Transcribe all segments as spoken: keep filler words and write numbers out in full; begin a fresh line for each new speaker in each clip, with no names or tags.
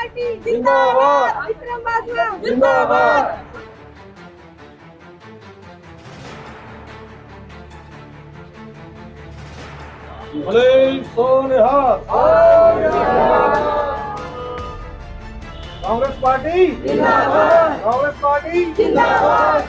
Party जिंदाबाद, विक्रम बाजवा जिंदाबाद।
भले सोनिहा कांग्रेस पार्टी जिंदाबाद, कांग्रेस पार्टी जिंदाबाद।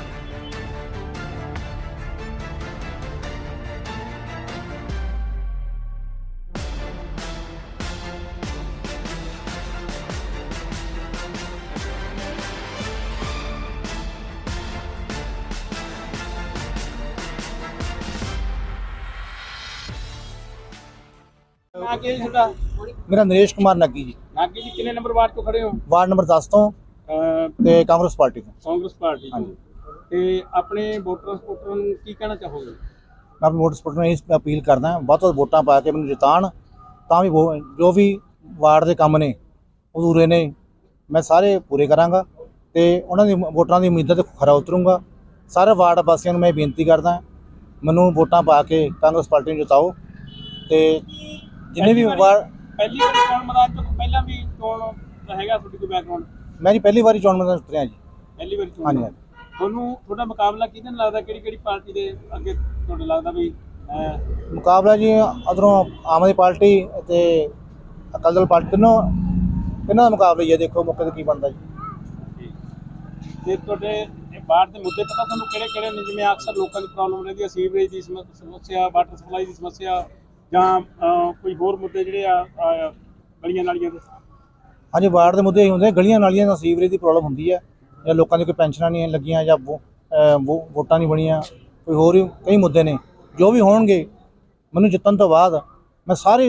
आगे जी ਤੁਹਾਡਾ
मेरा नरेश कुमार नग्गी जी,
ਨਾਗੀ ਜੀ ਕਿੰਨੇ ਨੰਬਰ ਵਾਰਡ ਤੋਂ ਖੜੇ ਹੋ?
वार्ड नंबर दस तो
ਅਹ,
ते कांग्रेस पार्टी तो
ਕਾਂਗਰਸ ਪਾਰਟੀ
हाँ
ਤੋਂ
जी।
ਤੇ ਆਪਣੇ ਵੋਟਰਾਂ ਸਪੋਰਟਰਾਂ ਨੂੰ ਕੀ ਕਹਿਣਾ ਚਾਹੋਗੇ?
मैं अपने वोट सपोर्ट में यही अपील करदा बहुत बहुत वोटां पा के मैनूं जिताण तां भी वो- जो भी वार्ड ਦੇ ਕੰਮ ਨੇ ਅਧੂਰੇ ਨੇ ਮੈਂ ਸਾਰੇ ਪੂਰੇ ਕਰਾਂਗਾ ਤੇ ਉਹਨਾਂ ਦੀ ਵੋਟਾਂ ਦੀ ਉਮੀਦਾਂ ਤੇ ਖਰਾ ਉਤਰੂੰਗਾ। ਸਾਰੇ ਵਾਰਡ ਵਾਸੀਆਂ ਨੂੰ ਮੈਂ ਬੇਨਤੀ ਕਰਦਾ ਮੈਨੂੰ ਵੋਟਾਂ ਪਾ ਕੇ ਕਾਂਗਰਸ ਪਾਰਟੀ ਨੂੰ ਜਿਤਾਓ ਤੇ ਜਿੰਨੇ ਵੀ ਵਾਰਡ
ਪਹਿਲੀ ਵਾਰੀ ਚੋਣ ਮੈਦਾਨ ਤੋਂ ਪਹਿਲਾਂ ਵੀ ਚੋਣ ਦਾ ਹੈਗਾ ਤੁਹਾਡੀ ਕੋਈ ਬੈਕਗ੍ਰਾਉਂਡ?
ਮੈਂ ਜੀ ਪਹਿਲੀ ਵਾਰੀ ਚੋਣ ਮੈਦਾਨ 'ਚ ਉਤਰਿਆ ਜੀ।
ਪਹਿਲੀ ਵਾਰੀ ਚੋਣ
ਹਾਂਜੀ
ਦਾ।
ਹਾਂਜੀ।
ਤੁਹਾਨੂੰ ਤੁਹਾਡਾ ਮੁਕਾਬਲਾ ਕਿਹਦੇ ਨਾਲ ਲੱਗਦਾ? ਕਿਹੜੀ ਕਿਹੜੀ ਪਾਰਟੀ ਦੇ ਅੱਗੇ ਤੁਹਾਨੂੰ ਲੱਗਦਾ ਵੀ ਅਹ,
ਮੁਕਾਬਲਾ ਜੀ ਅਧਰੋਂ ਆਮ ਆਦਮੀ ਪਾਰਟੀ ਤੇ ਅਕਾਲੀ ਦਲ ਪਾਰਟੀ ਤਿੰਨੋਂ ਇਹਨਾਂ ਦਾ ਮੁਕਾਬਲਾ ਹੀ ਹੈ। ਦੇਖੋ ਮੌਕੇ ਤੇ ਕੀ ਬਣਦਾ ਜੀ।
ਤੇ ਤੁਹਾਡੇ ਇਹ ਬਾੜ ਦੇ ਮੁੱਦੇ ਪਤਾ ਤੁਹਾਨੂੰ ਕਿਹੜੇ ਕਿਹੜੇ ਨੇ? ਜਿਵੇਂ ਅਕਸਰ ਲੋਕਾਂ ਦੀ ਪ੍ਰੋਬਲਮ ਰਹਿੰਦੀ ਹੈ, ਸੀਵਰੇਜ ਦੀ ਸਮੱਸ- ਸਮੱਸਿਆ, ਵਾਟਰ ਸਪਲਾਈ ਦੀ ਸਮੱਸਿਆ, ਜਾਂ ਅਹ, ਕੋਈ ਹੋਰ ਮੁੱਦੇ ਜਿਹੜੇ ਆ ਆ, ਗਲੀਆਂ ਨਾਲੀਆਂ ਦੇ।
ਹਾਂਜੀ, ਵਾਰਡ ਦੇ ਮੁੱਦੇ ਇਹ ਹੁੰਦੇ ਗਲੀਆਂ ਨਾਲੀਆਂ ਦਾ ਸੀਵਰੇਜ ਦੀ ਪ੍ਰੋਬਲਮ ਹੁੰਦੀ ਹੈ, ਜਾਂ ਲੋਕਾਂ ਦੀ ਕੋਈ ਪੈਨਸ਼ਨਾਂ ਨਹੀਂ ਲੱਗੀਆਂ, ਜਾਂ ਵੋ- ਅਹ ਵੋ- ਵੋਟਾਂ ਨਹੀਂ ਬਣੀਆਂ, ਕੋਈ ਹੋਰ ਵੀ ਕਈ ਮੁੱਦੇ ਨੇ। ਜੋ ਵੀ ਹੋਣਗੇ ਮੈਨੂੰ ਜਿੱਤਣ ਤੋਂ ਬਾਅਦ ਮੈਂ ਸਾਰੇ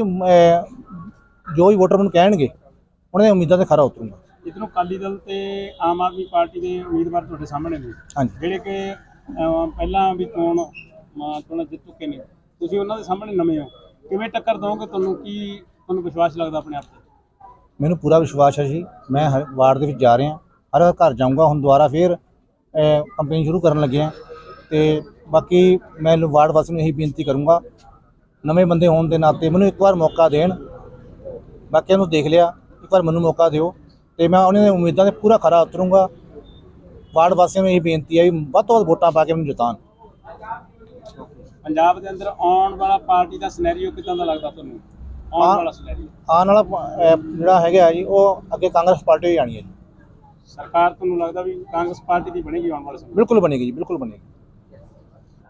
ਅਹ, ਜੋ ਵੀ ਵੋਟਰ ਮੈਨੂੰ ਕਹਿਣਗੇ ਉਹਨਾਂ ਦੀਆਂ ਉਮੀਦਾਂ ਤੇ ਖਰਾ ਉਤਰੂੰਗਾ।
ਇੱਧਰੋਂ ਅਕਾਲੀ ਦਲ ਤੇ ਆਮ ਆਦਮੀ ਪਾਰਟੀ ਦੇ ਉਮੀਦਵਾਰ ਤੁਹਾਡੇ ਸਾਹਮਣੇ ਨੇ,
ਹਾਂਜੀ
ਜਿਹੜੇ ਕਿ ਅਹ, ਪਹਿਲਾਂ ਵੀ ਚੋਣ ਅਹ, ਚੋਣਾਂ ਜਿੱਤ ਚੁੱਕੇ ਨੇ। ਤੁਸੀਂ ਉਹਨਾਂ ਦੇ ਸਾਹਮਣੇ ਨਵੇਂ ਹੋ, ਕਿਵੇਂ ਟੱਕਰ ਦੋਗੇ? ਤੁਹਾਨੂੰ ਕੀ ਤੁਹਾਨੂੰ ਵਿਸ਼ਵਾਸ ਲੱਗਦਾ ਆਪਣੇ ਆਪ ਤੇ?
ਮੈਨੂੰ ਪੂਰਾ ਵਿਸ਼ਵਾਸ ਹੈ ਜੀ। ਮੈਂ ਹਰ ਵਾਰਡ ਦੇ ਵਿੱਚ ਜਾ ਰਿਹਾ, ਹਰ ਘਰ ਜਾਊਂਗਾ। ਹੁਣ ਦੁਬਾਰਾ ਫੇਰ ਕੰਪੇਨ ਸ਼ੁਰੂ ਕਰਨ ਲੱਗੇ ਹਾਂ ਤੇ ਬਾਕੀ ਮੈਂ ਵਾਰਡ ਵਾਸੀਆਂ ਨੂੰ ਇਹੀ ਬੇਨਤੀ ਕਰੂੰਗਾ, ਨਵੇਂ ਬੰਦੇ ਹੋਣ ਦੇ ਨਾਤੇ ਮੈਨੂੰ ਇੱਕ ਵਾਰ ਮੌਕਾ ਦੇਣ। ਬਾਕੀਆਂ ਨੂੰ ਦੇਖ ਲਿਆ, ਇੱਕ ਵਾਰ ਮੈਨੂੰ ਮੌਕਾ ਦਿਓ ਤੇ ਮੈਂ ਉਹਨਾਂ ਦੀਆਂ ਉਮੀਦਾਂ 'ਤੇ ਪੂਰਾ ਖਰਾ ਉਤਰੂੰਗਾ। ਵਾਰਡ ਵਾਸੀਆਂ ਨੂੰ ਇਹ ਬੇਨਤੀ ਹੈ ਵੀ ਵੱਧ ਤੋਂ ਵੱਧ ਵੋਟਾਂ ਪਾ ਕੇ ਮੈਨੂੰ ਜਿਤਾਉਣ।
ਪੰਜਾਬ ਦੇ ਅੰਦਰ ਆਉਣ ਵਾਲਾ ਪਾਰਟੀ ਦਾ ਸਿਨੈਰੀਓ ਕਿੱਦਾਂ ਦਾ ਲੱਗਦਾ ਤੁਹਾਨੂੰ? ਆਉਣ
ਹਾਂ।
ਵਾਲਾ ਸਿਨੈਰੀਓ
ਆਉਣ ਵਾਲਾ ਅਹ, ਜਿਹੜਾ ਹੈਗਾ ਜੀ ਉਹ ਅੱਗੇ ਕਾਂਗਰਸ ਪਾਰਟੀ ਹੀ ਆਣੀ ਹੈ ਜੀ।
ਸਰਕਾਰ ਤੁਹਾਨੂੰ ਲੱਗਦਾ ਵੀ ਕਾਂਗਰਸ ਪਾਰਟੀ ਦੀ ਬਣੇਗੀ ਆਉਣ ਵਾਲੇ ਸਮੇਂ?
ਬਿਲਕੁਲ ਬਣੇਗੀ ਜੀ, ਬਿਲਕੁਲ ਬਣੇਗੀ।